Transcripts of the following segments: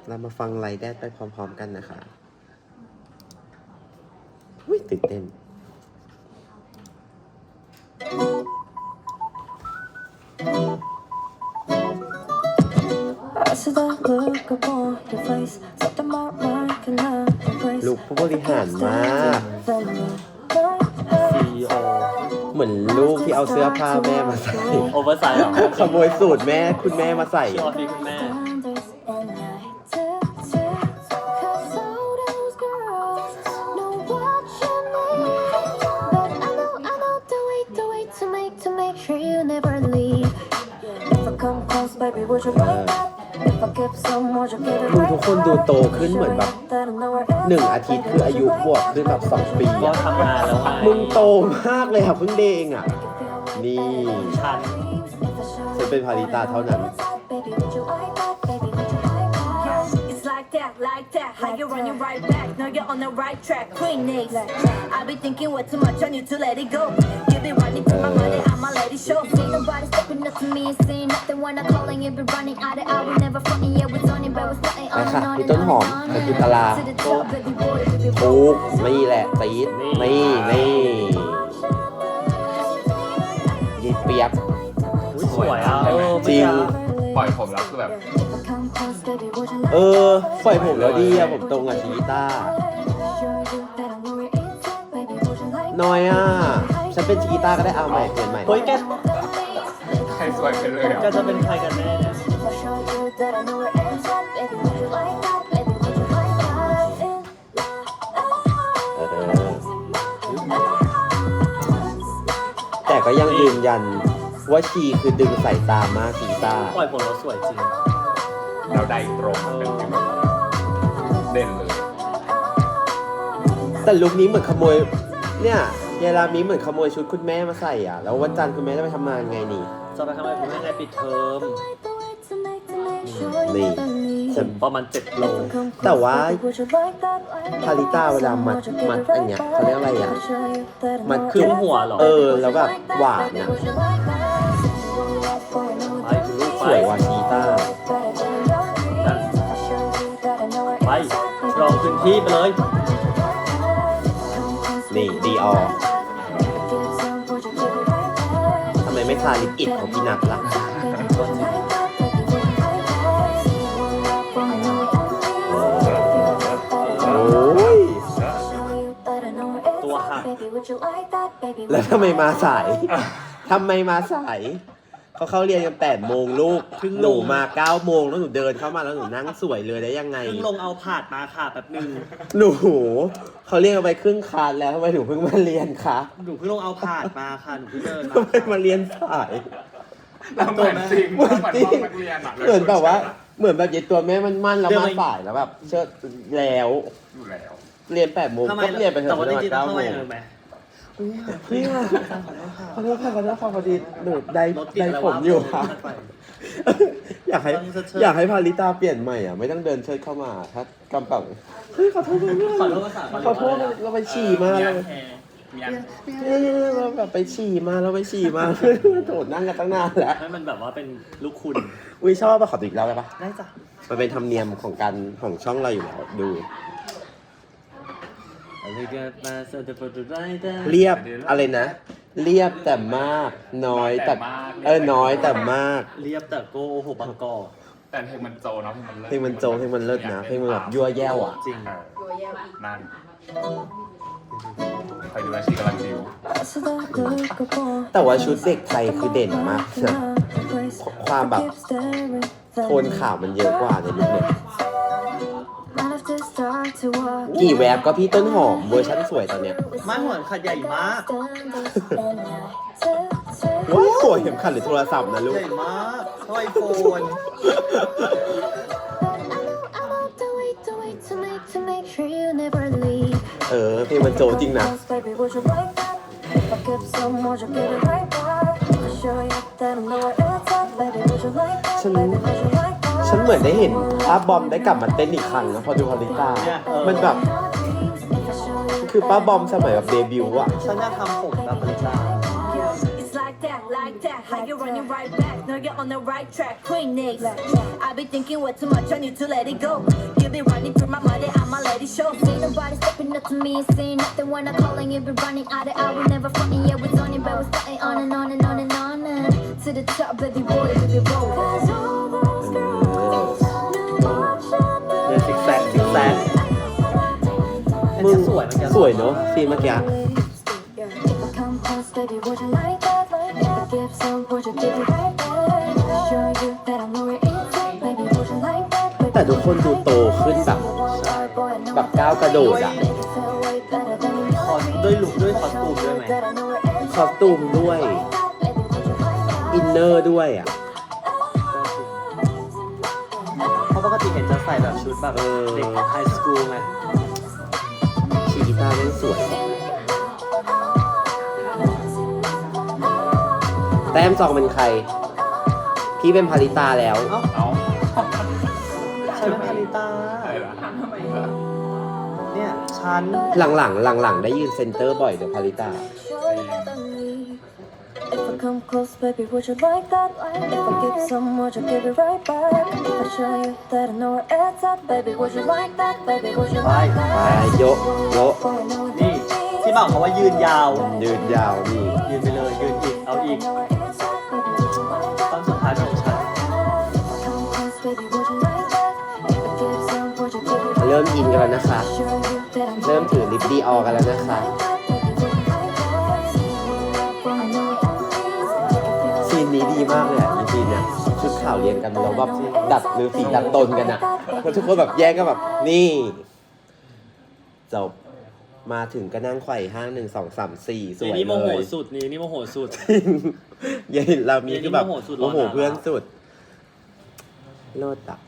เรามาฟังไลฟ์แดดไปพร้อมๆกันนะคะอุ้ยตื่นเต้นลูกผู้บริหารมาก CEO เหมือนลูกที่เอาเสื้อผ้าแม่มาใส่โอเวอร์ไซส์เหรอขโมยสูตรแม่คุณแม่มาใส่ชื่อออฟฟิศคุณแม่ดูทุกคนดูโตขึ้นเหมือนแบบ1 อาทิตย์คืออายุบวกขึ้นแบบ2 ปีก็อะทำงานแล้วไงมึงโตมากเลยอะเพิ่งเดงอะนี่ฉันฉันเป็นพาริตาเท่านั้น Like that, how you running right back? Now you're on the right track. Queen Nate, I be thinking way too much on you to let it go. You be running to my money, I'ma let it show. See nobody stepping up to me and saying nothing when I'm calling. You be running out of hour, never fronting. Yeah, we're turning, but we're starting ไป on ค่ะ and on พี่ and ต้น on หอม and ไป on. กินตลา To the top, baby boy, baby ถู boy. กนี่แหละตีดนี่ยีเปียกอุ๊ยสวยอ่ะจริงปล่อยผมแล้วคือแบบปล่อยผมแล้วดีอะผมตรงกับชีต้าน้อยอะฉันเป็นชีต้าก็ได้เอาใหม่เปลี่ยนใหม่เฮ้ยแกใครสวยไปเลยแกจะเป็นใครกันแน่เนี่ยแต่ก็ยังยืนยันว่าชีคือดึงสายตามากชีต้าปล่อยผมแล้วสวยจริงเราได้ตรงมันเป็นแบบเด่นเลยแต่ลุคนี้เหมือนขโมยเนี่ยยายรามีเหมือนขโมยชุดคุณแม่มาใส่อ่ะแล้ววันจันทร์คุณแม่จะไปทำงานไงนี่จะไปทำอะไรคุณแม่ไงปิดเทอมนี่ผมประมาณ7 โลแต่ว่าพาริต้าเวลามัดอันเนี้ยเขาเรียกอะไรอ่ะมัดขึ้นหัวเหรอแล้วแบบหวานอ่ะไปคุณลูกสไปวยกว่าชีต้าไปรองพื้นที่ไปเลยนี่ดีออทำไมไม่ทาลิปอิดของพี่นัทล่ะโอ้ยตัวหักแล้วทำไมมาสาย ทำไมมาสาย เขาเข้าเรียนกัน8 โมงลูกหนูมา9 โมงแล้วหนูเดินเข้ามาแล้วหนูนั่งสวยเลยได้ยังไงเพิ่งลงเอาผาดมาค่ะแบบนึงหนูเขาเรียกกันไปครึ่งคลาสแล้วทำไมหนูเพิ่งมาเรียนคะหนูเพิ่งลงเอาผาดมาค่ะหนูเพิ่งเดินมาทำไมมาเรียนสายเราเหมือนจริงเหมือนห้องนักเรียนอะเหมือนแบบว่าเหมือนแบบยายตัวแม่มันมั่นแล้วมาสายแล้วแบบเชิดแล้วอยู่แล้วเรียน8 โมงทำไมก็เรียนไปเถแต่อะว่าจริงๆต้อง 9 เข้าโมมาง เลยไหมพี่ค่ะขอโทษค่ะพอดีหนูได้รถติดแล้วผมอยู่ค่ะค่ะอยากให้พาริตาเปลี่ยนใหม่อ่ะไม่ต้องเดินเชิดเข้ามาถ้ากำปังเฮ้ยขอโทษเพื่อนขอโทษภาษาขอโทษเราไปฉี่มาเรามีอันเราแบบไปฉี่มาโถนั่งกันตั้งนานแล้วให้มันแบบว่าเป็นลูกคุณอุ้ยชอบป่ะขอติดแล้วไปปะได้จ้ะมันเป็นธรรมเนียมของช่องเราอยู่แล้วดู เรียบอะไรนะ เรียบแต่มากน้อยแต่น้อยแต่มากเรียบแต่โกโอ้โหบางกอกแต่เพลงมันโจเนาะเพลงมันเลิศเพลงมันโจเพลงมันเลิศนะเพลงมันแบบยั่วแย่วอ่ะจริงนั่นใครดูแลชีกำลังดิวแต่ว่าชุดเด็กไทยคือเด่นมากนะความแบบโทนขาวมันเยอะกว่าในลุคเนี่ยกี่แวบก็พี่ต้นหอมเวอร์ชั่นสวยตอนเนี้ยไม่เหมือนขัดใหญ่มากว้าวสวยเข็มขัดหรือโทรศัพท์นะลูกใหญ่มากเท่าไอโฟนเพลงมันโจจริงนะ ฉันเหมือนได้เห็นป้าบอมได้กลับมาเต้นอีกครั้งนะพอดูพาริตามันแบบคือป้าบอมสมัยแบบเดบิวต์อะฉันอยากทำผมแบบบริจาค like that. How you running right back? No, you're on the right track. Queen Nicks. I be thinking way too much. I need to let it go. You be running through my mind, I'ma let it show. See nobody stepping up to me and saying nothing when I'm calling. You be running out of hour, never fronting. Yeah, we're on it, but we're starting on and on and on and on and to the top, baby boy, baby boy. เดินซิกแซกซิกแซกมึงสวยเหมือนกันสวยเนอะซีนเมื่อกี้ แต่ทุกคนดูโตขึ้นแบบก้าวกระโดดอะด้วยลุคด้วยคอสตูมด้วยไหมคอสตูมด้วย อินเนอร์ด้วยอะเพราะปกติเห็นจะใส่แบบชุดแบบเด็กไฮสคูลไงชีกีตาร์แม่งสวย แต้มจองเป็นใคร พี่เป็นพาริตาแล้วเอาฉันเป็นพาริตาอะไรล่ะเนี่ยฉันหลังได้ยืนเซนเตอร์บ่อยเดี๋ยวพาริตา If I come close, baby, would you like that? If I give some, would you give it right back? If I show you that I know where it's at, baby, would you like that? Baby, would you like ไป that? โยะโยะนี่ที่บอกเขาว่ายืนยาวยืนยาวนี่ยืนไปเลยยืนอีกเอาอีกตอนสุดท้ายของฉันเริ่มอินกันแล้วนะคะ เริ่มถือลิปดีออกันแล้วนะคะ ซีนนี้ดีมากเลยอ่ะจริงๆเนี่ยชุดขาวเรียนกันแล้วแบบดัดหรือสีดัดตนกันอ่ะแล้วทุกคนแบบแย่งกันแบบนี่จบมาถึงก็นั่งไขว่ห้าง1 2 3 4สวยเลยนี่โมโหสุดนี่โมโหสุดยัยเรามีคือแบบโมโหสุดโมโหเพื่อนสุดโลดอ่ะ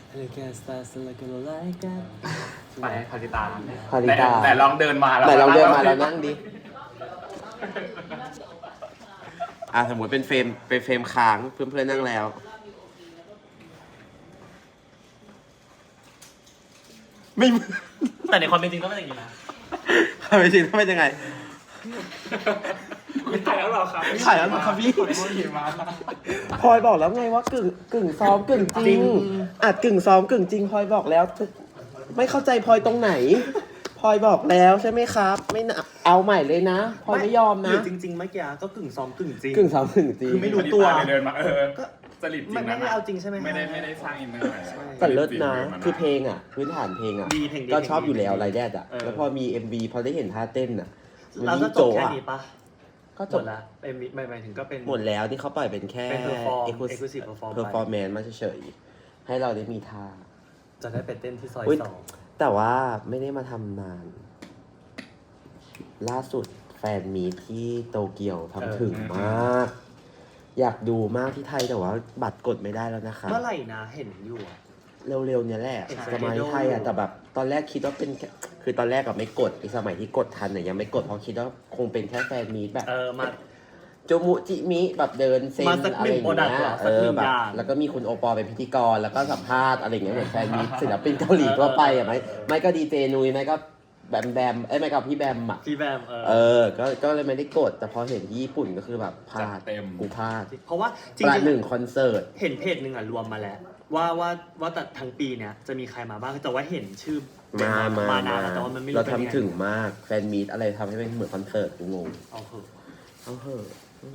ไปพาริตาพาริตาแต่ลองเดินมาแล้วไหนลองเดินมาแล้วนั่งดิสมมติเป็นเฟรมค้างเพื่อนๆนั่งแล้ว ไม่แต่ในความเป็นจริงก็ไม่อย่างนี้นะไม่จริงต้องเป็นยังไงไม่ถ่ายแล้วหรอครับถ่ายแล้วเหรอครับพี่ พลอยบอกแล้วไงว่ากึ่งซ้อมกึ่งจริงอัดกึ่งซ้อมกึ่งจริงพลอยบอกแล้ว ไม่เข้าใจพลอยตรงไหนพลอยบอกแล้วใช่ไหมครับ ไม่นะเอาใหม่เลยนะพลอยไม่ยอมหนะรือจริงๆเมื่อกี้ก็กึ่งซ้อมกึ่งจริงกึ่งซ้อมกึ่งจริงคือไม่รู้ตัวเดินมาก็สลิดจริงไม่ได้เอาจริงใช่ไหมไม่ได้สร้างอินเนอร์อะไรแต่เลิศนะคือเพลงอ่ะพื้นฐานเพลงอ่ะดีเพลงดีก็ชอบอยู่แล้วไรแดดอ่ะเออแล้วพอมี MV พอได้เห็นท่าเต้นอ่ะมันเรายิ่ก็งจโจบแค่อ่ะนี้ปะก็จจบบ ละไม่หมายถึงก็เป็นหมดแล้วที่เขาปล่อยเป็นแค่เป็น exclusive perform เพอร์ฟอร์แมนซ์มาเฉยๆให้เราได้มีท่าจะได้ไปเต้นที่ซอยอุ๊ย 2 แต่ว่าไม่ได้มาทำนาน ล่าสุดแฟนมีตที่โตเกียวทำถึงมาก อยากดูมากที่ไทยแต่ว่าบัตรกดไม่ได้แล้วนะคะเมื่อไหร่นะเห็นอยู่อะเร็วๆเนี่ยแหละเห็นจะมาที่ไทยอ่ะ schedule แต่แบบตอนแรกคิดว่าเป็นแค่คือตอนแรกกับไม่กดไอ้สมัยที่กดทันเนี่ยยังไม่กดเพราะคิดว่าคงเป็นแค่แฟนมีตแบบมาโจมุจิมิแบบเดินเซ็นมาสักอะไรอย่างหนึ่งเงี้ product ยเหรอสักหนึ่งแบบอย่างแล้วก็มีคุณโอปอเป็นพิธีกรแล้วก็สัมภาษณ์อะไรอย่างเงี้ยเหมือนแฟนมีตศิลปินเกาหลีทั่วไปอ่ะไม่ก็ดีเจนุยไม่ก็แบมไม่ก็พี่แบมอ่ะพี่แบมก็เลยไม่ได้กดแต่พอเห็นที่ญี่ปุ่นก็คือแบบพลาดกูพลาดเพราะว่าจริประงหนึ่งคอนเสิร์ตๆเห็นเพจหนึ่งอ่ะรวมมาแล้วว่าแต่ทั้งปีเนี้ยจะมีใครมาบ้างแต่ว่าเห็นชื่อมานานแล้วแต่ว่ามันไม่รู้เราเป็นยังไงทำถึงมากแฟนมีตอะไรทำให้เป็นเหมือนคอนเสิร์ตกูงงเอาเถอะเอาเหอะ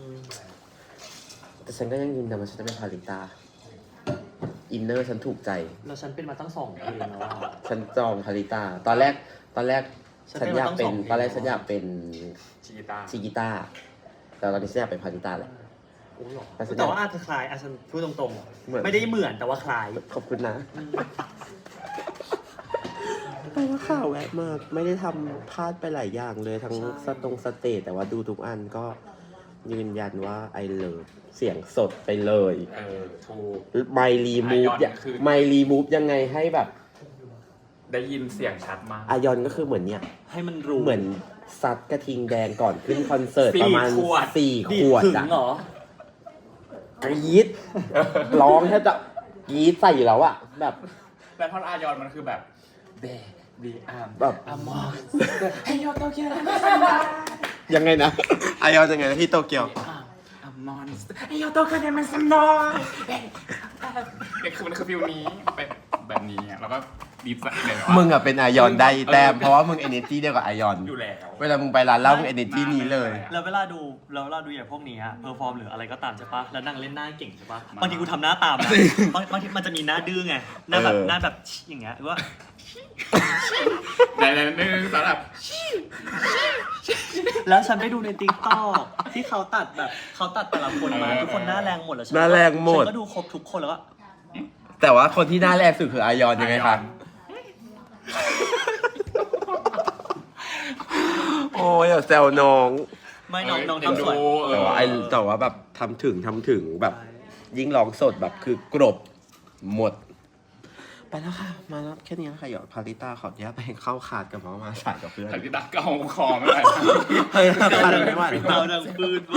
แต่ฉันก็ยังยืนยันว่าฉันจะเป็นพาริตาอินเนอร์ฉันถูกใจแล้วฉันเป็นมาตั้ง2 เพลงแล้วว่าฉันจองพาริตาตอนแรกฉันฉันเป็นอยากเป็นมาตั้ง2 ตอนแรกฉันอยากเป็นชิกิตาชิกิต้าแต่ตอนนี้ฉันอยากเป็นพาริตาแหละโอ้หรอแต่ฉันแต่ว่าอาจจะคล้ายฉันพูดตรงเหมือนๆไม่ได้เหมือนแต่ว่าคล้ายขอบคุณนะแต่ว่าข่าวแวะมากไม่ได้ทำพลาดไปหลายอย่างเลยทั้งสเตจแต่ว่าดูทุกอันก็ยืนยันว่าไอเลิฟเสียงสดไปเลยถูกไมรีมูฟ Ion คือไมรีมูฟยังไงให้แบบได้ยินเสียงชัดมากอายอนก็คือเหมือนเนี่ยให้มันรู้เหมือนซัดกระทิงแดงก่อนขึ้นคอนเสิร์ต 4 ประมาณขวด 4 ดีขวดถึงอะเหรอกรี๊ดร้องแทบจะกรี๊ดใส่อยู่แล้วอะแบบแล้วท่อนอายอนมันคือแบบเบบีอาร์มแบบอามอนให้ยอดโตเกียวยังไงนะ อายอนยังไงนะที่โตเกียวอามมอนสเตอร์ไอ้โยโตกันเนี่ยมันสมอยเนี่ยคือมันคือฟิลนี้เป็นแบบนี้อะแล้วก็ดีใจเลยว่ามึงอะเป็นอายอนได้แต้มเพราะว่ามึง energy เดียวกับอายอนอยู่แล้วเวลามึงไปร้านเหล้ามึง energy นี้เลยแล้วเวลาดูอย่างพวกนี้เพอร์ฟอร์มหรืออะไรก็ตามใช่ปะแล้วนั่งเล่นหน้าเก่งใช่ปะบางทีกูทำหน้าตามนะบางทีมันจะมีหน้าดื้อไงหน้าแบบอย่างเงี้ยหรือว่าในนึงสำหรับแล้วฉันไปดูในติ๊กต็อกที่เขาตัดแต่ละคนมาทุกคนหน้าแรงหมดแล้วหน้าแรงหมดฉันก็ดูครบทุกคนแล้วก็แต่ว่าคนที่หน้าแรกสุดคืออายอนยังไงคะโอ้ยอย่าแซวน้องไม่น้องทำสวยแต่ว่าแบบทำถึงแบบยิ่งร้องสดแบบคือกรบหมด ไปแล้วค่ะ มาแล้วแค่นี้นะคะหยอดพาริต้าขออนุญาตไปเข้าขาดกับหมอมาสายกับเพื่อนถ่ายที่ตักก็เอาคอไม่ได้เฮ้ยขาดไม่ไหวเตาดังปืน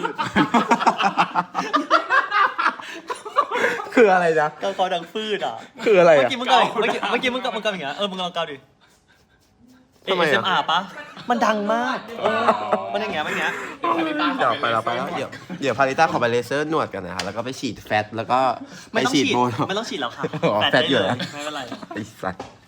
คืออะไรนะเกาคอดังฟืดอ่ะคืออะไรเมื่ออ่ะกี้มึงเกาอย่างเงี้ยมึงลองเกาดิทำไมอะ ASMR ปะมันดังมากมันอย่างเงี้ยถ่ายที่ตักเดี๋ยวไปแล้วเดี๋ยวพาริต้าขอไปเลเซอร์หนวดกันนะคะแล้วก็ไปฉีดแฟตแล้วก็ไปฉีดโบท็อกซ์ไม่ต้องฉีดแล้วค่ะอ๋อแฟดแฟดได้อยู่เลยแล้วไม่เป็นไรไอ้สัตว์